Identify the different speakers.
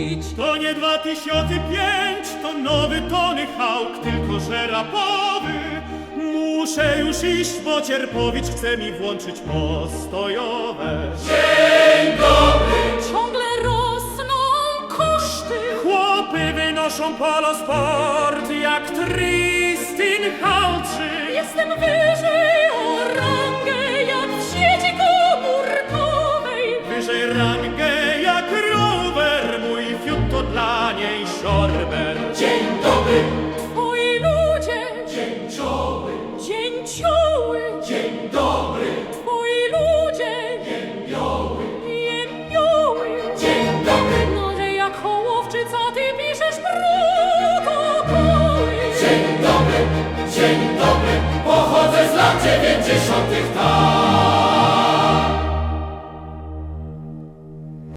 Speaker 1: mówić.
Speaker 2: To nie 2005, to nowy Tony Hawk, tylko że rapowy. Muszę już iść, bo Cierpowicz chce mi włączyć postojowe.
Speaker 3: Dzień dobry!
Speaker 1: Ciągle rosną koszty.
Speaker 2: Chłopy wynoszą polosport jak Tristin Halczy.
Speaker 1: Jestem wyżej o rangę jak w sieci komórkowej.
Speaker 2: Wyżej rangę jak rower, mój fiut to dla niej szorber.
Speaker 3: Dzień dobry!
Speaker 1: Twoi ludzie,
Speaker 3: Dzięcioły!
Speaker 1: dzięcioły.
Speaker 3: Dzień dobry!
Speaker 1: Twoi ludzie,
Speaker 3: Jębioły!
Speaker 1: jębioły.
Speaker 3: Dzień dobry!
Speaker 1: No, że jak Hołowczyca ty piszesz protokoły.
Speaker 3: Dzień dobry! Dzień dobry! Pochodzę z lat 90. tak!